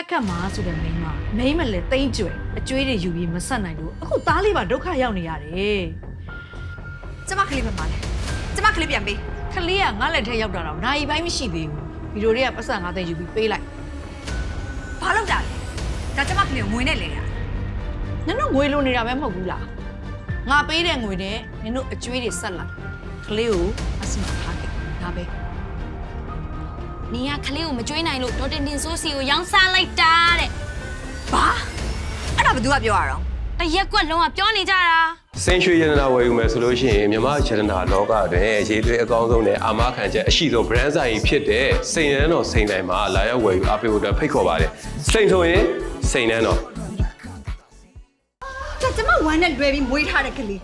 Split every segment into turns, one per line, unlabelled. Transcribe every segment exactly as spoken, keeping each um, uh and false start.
ခက်မှာဆိုတဲ့မိန်းမမိန်းမလည်းတိမ့်ကျွယ်အကျွေးတွေယူပြီးမဆက်နိုင်လို့အခုသားလေးပါဒုက္ခရောက်နေရတယ်ကျမကလေးပဲပါလေကျမကလေးပြန်ပေးကလေးကငါ့လက်ထဲရောက်တာတော့နိုင်ပိုင်းမရှိသေးဘူးဗီဒီယိုတွေကပတ်စံငါးသိန်းယူပြီးပေးလိုက်ဘာလုပ်တာလဲဒါကျမကလေးကိုငွေနဲ့လဲတာနင်တို့ငွေလိုနေတာပဲမဟုတ်ဘူးလားငါပေးတဲ့ငွေနဲ့နင်တို့အကျွေးတွေဆက်လာကလေးကိုအစမထားတယ်ဒါပဲ
နင်ကကလေးကိုမကျွေးနိုင်လို့ဒေါ်တင်တင်ဆိုးစီကိုရောင်းစားလိုက်တာတဲ့
ဘာအဲ့ဒါဘယ်သူကပြောရအောင်
တရက်ကွက်လုံးကပြောနေကြတာ
စိန်ရွှေရတနာဝယ်ယူမယ်ဆိုလို့ရှိရင်မြမရတနာလောကတွင်ရေးသွေးအကောင်းဆုံးနဲ့အာမခံချက်အရှိဆုံး brand ဆိုင်ဖြစ်တဲ့စိန်နန်းတော်စိန်တိုင်းမှာလာရောက်ဝယ်ယူအားပေးဖို့အတွက်ဖိတ်ခေါ်ပါတယ်စိန်ဆိုရင်စိန်နန်းတော်
ကျကျမဝမ်းနဲ့လွယ်ပြီးမွေးထားတဲ့ကလေး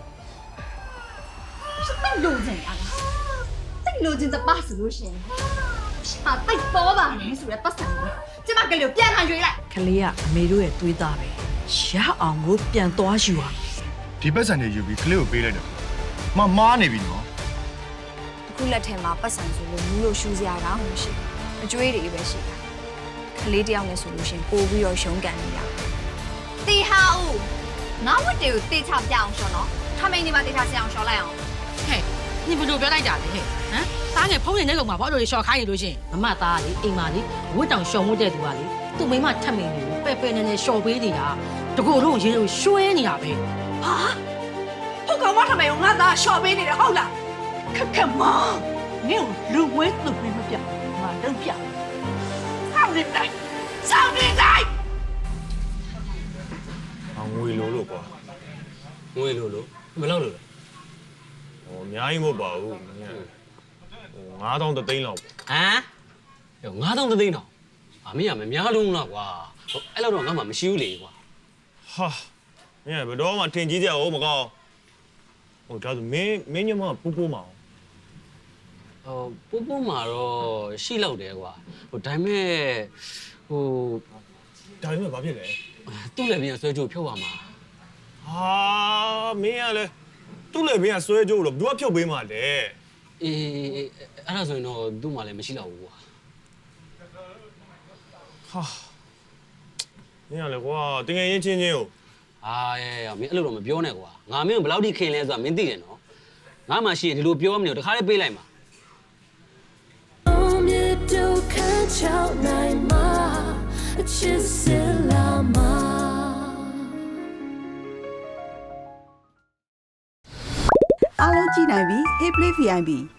စိတ်လိုချင်တာလားစိတ်လိုချင်တဲ့ပါဆိုလို့ရှိရင်ဟာတိတ်ပေါ်ပါလေဆိုရဲပတ်စံကိုကျမကလေးကိုပြန်ခံရွေးလိုက်ကလေးကအမေတို့ရဲ့တွေးသားပဲရအောင်ကိုပြန်သွားယူအောင်
ဒီပတ်စံတွေယူပြီးကလေးကိုပေးလိုက်တယ်မမားနေပြီနော်
အခုလက်ထဲမှာပတ်စံဆိုလို့မူးလို့ရှူစရာကောင်းမရှိဘူးအကျွေးတွေပဲရှိတာကလေးတယောက်နဲ့ဆိုလို့ရှင်ပို့ပြီးတော့ရုံးကန်နေတာ
တီဟာဦးငါဝတ်တွေကိုတေချပြအောင်ရှော်နော်ထမိန်ဒီမှာတေချစအောင်ရှော်လိုက်အောင်
ဟဲ့你不就表达家的嘿？嗯，大家朋友那个嘛，跑到小看一路线，妈妈打的，姨妈的，我当小母在对吧的，都没嘛他们的，白白的那小辈的呀，这个东西就选你那呗。
啊？我讲我他妈用俺打小辈的好了，看看嘛，你有六位都没么表，嘛都表，上你来，上你来。
啊，ငွေလိုလို့ကွာ
ငွေလိုလို့ဘယ်လောက်လိုလဲ
ဟိုအများကြီးမဟုတ်ပါဘူးဟိုငါးသောင်းသိန်းလောက်ပေါ့
ဟမ်ဟိုငါးသောင်းသိန်းတော့အမေကမများလုံးလားကွာဟိုအဲ့လောက်တော့ငါမှမရှိဘူးလေကွာ
ဟာမင်းဘယ်တော့မှထင်ကြီးကြအောင်မကောင်းဟိုဒါဆိုမင်းမင်းညမပူပူမအောင်
ဟိုပူပူမှာတော့ရှိလောက်တယ်ကွာဟိုဒါပေမဲ့ဟို
ဒါပေမဲ့ဘာဖြစ်လဲ
သူ့လည်းပြန်ဆွဲကြိုးဖြုတ်ရမှာ
ဟာမင်းကလည်းသူ့လည်းမင်းကဆွဲကြိုးလို့ဘယ်သူကဖြုတ်ပေးမှလဲ
အေးအဲ့ဒါဆိုရင်တော့သူ့မှာလည်းမရှိတော့ဘူးကွာ
ဟာမင်းကလည်းကွာတကယ်ရင်ချင်းချင်းကို
အာရဲမင်းအဲ့လိုတော့မပြောနဲ့ကွာငါမင်းဘယ်လောက်ထိခင်လဲဆိုတာမင်းသိတယ်နော်ငါမှရှိရင်ဒီလိုပြောမနေတော့တခါလေးပေးလိုက်မှာ
အားလုံးကြည့်နိုင်ပြီ Hey Play ဗီ အိုင် ပီ